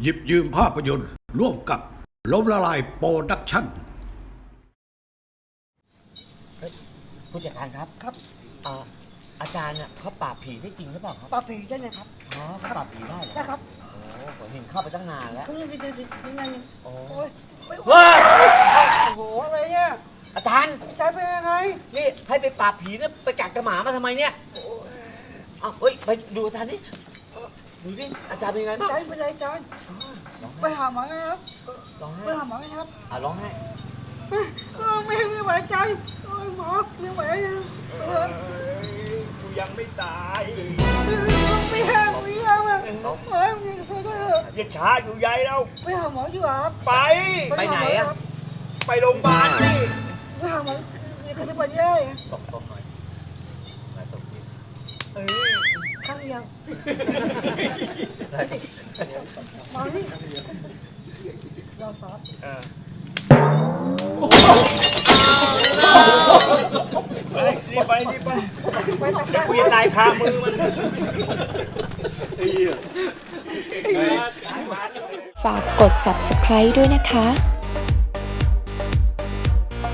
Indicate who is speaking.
Speaker 1: หยิบยืมภาพยนตร์ร่วมกับล้มละลายโปรดักชั่น
Speaker 2: ผู้จัดการครับอาจารย์เนี่ยเขาปราบผีได้จริงหรือเปล่าครับ
Speaker 3: ปราบผีได้เลยครับ
Speaker 2: อ๋อเขาปราบผีได้เหรอ
Speaker 3: นะครับ
Speaker 2: โอ้ผมเห็นเข้าไปตั้งนานแล้ว
Speaker 3: ยังไง
Speaker 2: โอ้
Speaker 3: ย
Speaker 2: ว้า
Speaker 3: โอ้โหอะไรเนี่ย
Speaker 2: อาจารย์
Speaker 3: ใจเป็นยังไง
Speaker 2: นี่ให้ไปปราบผีเนี่ยไปกัดกระหมามาทำไมเนี่ยอ้าวเฮ้ยไปดูอาจารย์นี่ดูสิอาจารย์เป็นยังไง
Speaker 3: ใจเป็นไรจานไปหาหมอไหมครับ
Speaker 2: ร้องไห้
Speaker 3: ไปหาหมอไหมครับ
Speaker 2: ร้องไห้
Speaker 3: ไม่ไหวใจหมอไม่ไหว
Speaker 2: กูยังไม่ตาย
Speaker 3: ไม่หาไม่หาหมอยังช่วยด้วย
Speaker 2: อย่าช้าอยู่ใหญ่แล้ว
Speaker 3: ไปหาหมอดีกว่าครับ
Speaker 2: ไปไหนอะไปโรงพยาบาลนี่
Speaker 3: ไปหาหมอเขาจะไปได้
Speaker 2: ตกหน่อยตกนิด
Speaker 3: ข้างยังมานี่รอซอส
Speaker 2: รีบไปกูยังไงคามือมัน
Speaker 4: ฝากกด subscribe ด้วยนะคะ